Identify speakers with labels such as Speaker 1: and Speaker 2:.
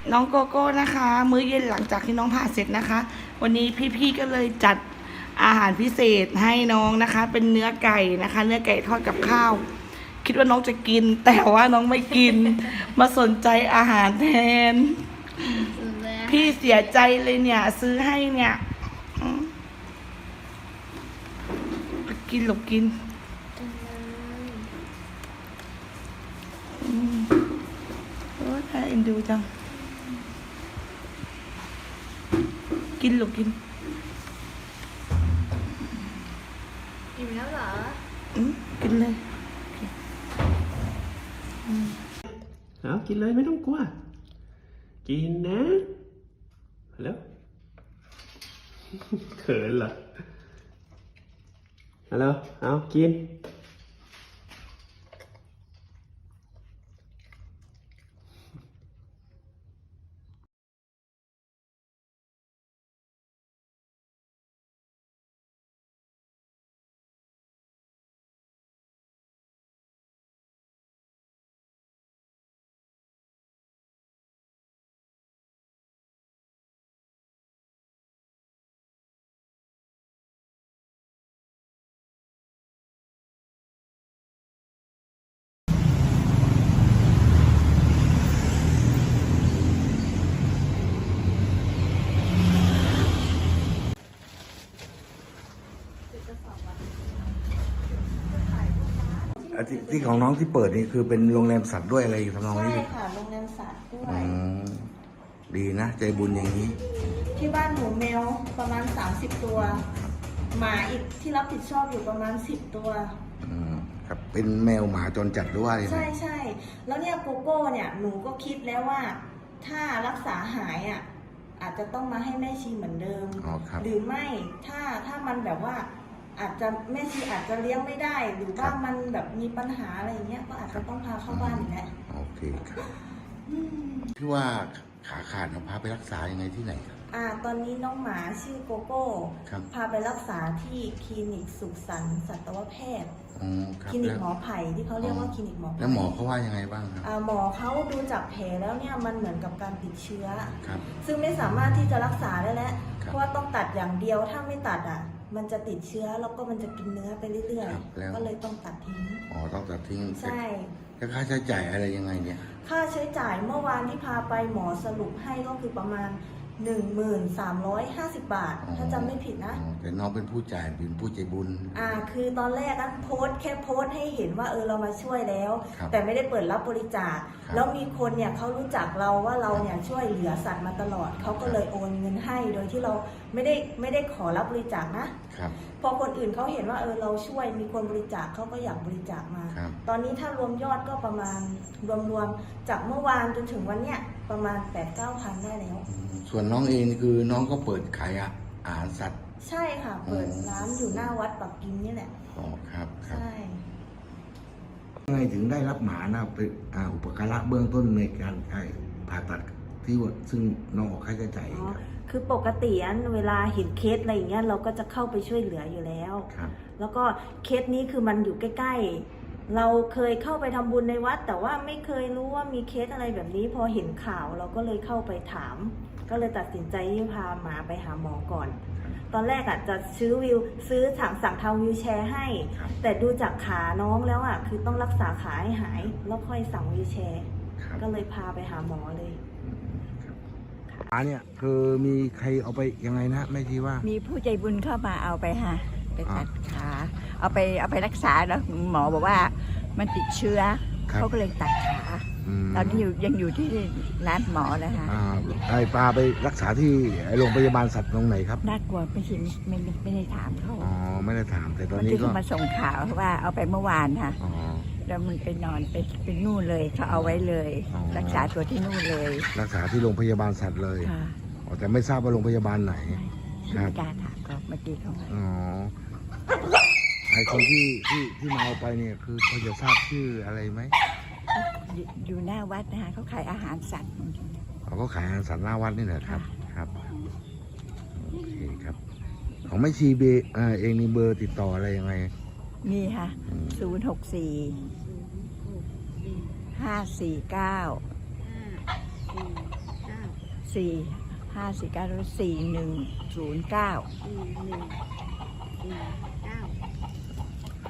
Speaker 1: น้องโกโก้นะคะ มื้อเย็นหลังจากที่น้องผ่าเสร็จนะคะ วันนี้พี่ๆก็เลยจัดอาหารพิเศษให้น้องนะคะ เป็นเนื้อไก่นะคะ เนื้อไก่ทอดกับข้าว คิดว่าน้องจะกิน แต่ว่าน้องไม่กิน มาสนใจอาหารแทน พี่เสียใจเลยเนี่ย ซื้อให้เนี่ยกินหลบกินโอ้ยน่าเอ็นดูจังกินหลบกิน
Speaker 2: อิ่มแล้วเหรอ
Speaker 1: กินเลย
Speaker 3: เอากินเลยไม่ต้องกลัวกินนะแล้วเขินเหรอฮัลโหลเอากิน
Speaker 4: ที่ของน้องที่เปิดนี่คือเป็นโรงแรมสัตว์ด้วยอะไรอยู่ทำนองนี้
Speaker 2: ใช่ค่ะโรงแรมสัตว์ด้วย
Speaker 4: ดีนะใจบุญอย่างนี้
Speaker 2: ที่บ้านหนูแมวประมาณ30ตัวหมาอีกที่รับผิดชอบอยู่ประมาณ10ตัว
Speaker 4: ครับเป็นแมวหมาจรจัดหรือว่าอะไร
Speaker 2: ใช่ใช่แล้วเนี่ยโกโก้เนี่ยหนูก็คิดแล้วว่าถ้ารักษาหายอ่ะอาจจะต้องมาให้แม่ชีเหมือนเดิมหรือไม่ถ้ามันแบบว่าอาจจะแม่ชีอาจจะเลี้ยงไม่ได้หรือว่ามันแบบมีปัญหาอะไรอย่างเงี้ยก็อาจจะต้องพาเข้าบ้านอีกแล้ว
Speaker 4: โอเคครับที่ว่าขาขาดพาไปรักษายังไงที่ไหนครับ
Speaker 2: ตอนนี้น้องหมาชื่อโกโก้พาไปรักษาที่คลินิกสุขสันต์สัตวแพทย์คลินิกหมอไผ่ที่เขาเรียกว่าคลินิกหมอไผ่
Speaker 4: แล้วหมอเขาว่ายังไงบ้างครับ
Speaker 2: หมอเขาดูจากแผลแล้วเนี่ยมันเหมือนกับการติดเชื้อซึ่งไม่สามารถที่จะรักษาได้แล้วเพราะว่าต้องตัดอย่างเดียวถ้าไม่ตัดมันจะติดเชื้อแล้วก็มันจะกินเนื้อไปเรื่อยๆก็เลยต้องตัดทิ้ง
Speaker 4: ต้องตัดทิ้ง
Speaker 2: ใช่
Speaker 4: แล้วค่าใช้จ่ายอะไรยังไงเนี่ย
Speaker 2: ค่าใช้จ่ายเมื่อวานที่พาไปหมอสรุปให้ก็คือประมาณ1350 บาทถ้าจำไม่ผิดนะ
Speaker 4: แต่น้องเป็นผู้จ่ายเป็นผู้ใจบุญ
Speaker 2: คือตอนแรกโพสต์ให้เห็นว่าเรามาช่วยแล้วแต่ไม่ได้เปิดรับบริจาคแล้วมีคนเนี่ยเขารู้จักเราว่าเราเนี่ยช่วยเหลือสัตว์มาตลอดเขาก็เลยโอนเงินให้โดยที่เราไม่ได้ขอรับบริจาคนะพอคนอื่นเขาเห็นว่าเราช่วยมีคนบริจาคเขาก็อยากบริจาคมาตอนนี้ถ้ารวมยอดก็ประมาณรวมจากเมื่อวานจนถึงวันเนี้ยประมาณ 8-9 พันได้แล้ว
Speaker 4: ส่วนน้องเองคือน้องก็เปิดขายอาหารสัตว์
Speaker 2: ใช่ค่ะเปิดร้านอยู่หน้าวัดปักกิ่งนี่แหละ
Speaker 4: ครับ
Speaker 2: ใช่
Speaker 4: ไงถึงได้รับหมาเป็นอุปการะเบื้องต้นในการผ่าตัดที่ซึ่งน้องออกค่าใช้จ่าย
Speaker 2: คือปกติเวลาเห็นเคสอะไรอย่างเงี้ยเราก็จะเข้าไปช่วยเหลืออยู่แล้วแล้วก็เคสนี้คือมันอยู่ใกล้ๆเราเคยเข้าไปทำบุญในวัดแต่ว่าไม่เคยรู้ว่ามีเคสอะไรแบบนี้พอเห็นข่าวเราก็เลยเข้าไปถามก็เลยตัดสินใจที่พาหมาไปหาหมอก่อนตอนแรกจะซื้อสั่งทำวิวแชร์ให้แต่ดูจากขาน้องแล้วคือต้องรักษาขาให้หายแล้วค่อยสั่งวิวแชร์ก็เลยพาไปหาหมอเลย
Speaker 4: เนี่ยคือมีใครเอาไปยังไงนะไม่ทีว่า
Speaker 5: มีผู้ใจบุญเข้ามาเอาไปค่ะไปตัดขาเอาไปรักษาแล้วหมอบอกว่ามันติดเชื้อเขาก็เลยตัดขาตอนนี้ยังอยู่ที่ร้านหมอนะคะ
Speaker 4: พาไปรักษาที่โรงพยาบาลสัตว์ตรงไหนครับ
Speaker 5: น่ากลัวไม่ได้ถามเขา
Speaker 4: ไม่ได้ถามแต่ตอนนี้ก็
Speaker 5: มาส่งข่าวว่าเอาไปเมื่อวานค่ะแล้วมันไปนอนไปนู่นเลยเขาเอาไว้เลยรักษาตัวที่นู่นเลย
Speaker 4: รักษาที่โรงพยาบาลสัตว์เลยแต่ไม่ทราบว่าโรงพยาบาลไหน
Speaker 5: ครับการถามก็เมื่อกี้เขา
Speaker 4: ไอ้คนที่มาเอาไปเนี่ยคือพอจะทราบชื่ออะไรไหม
Speaker 5: อยู่หน้าวัดนะคะเขาขายอาหารสัตว์
Speaker 4: เขาขายอาหารสัตว์หน้าวัดนี่แหละครับโอเคครับของไม่ชีเบเองมีเบอร์ติดต่ออะไรยังไง
Speaker 5: มีค่ะ064 549 4 5 4 9 4 1 0 9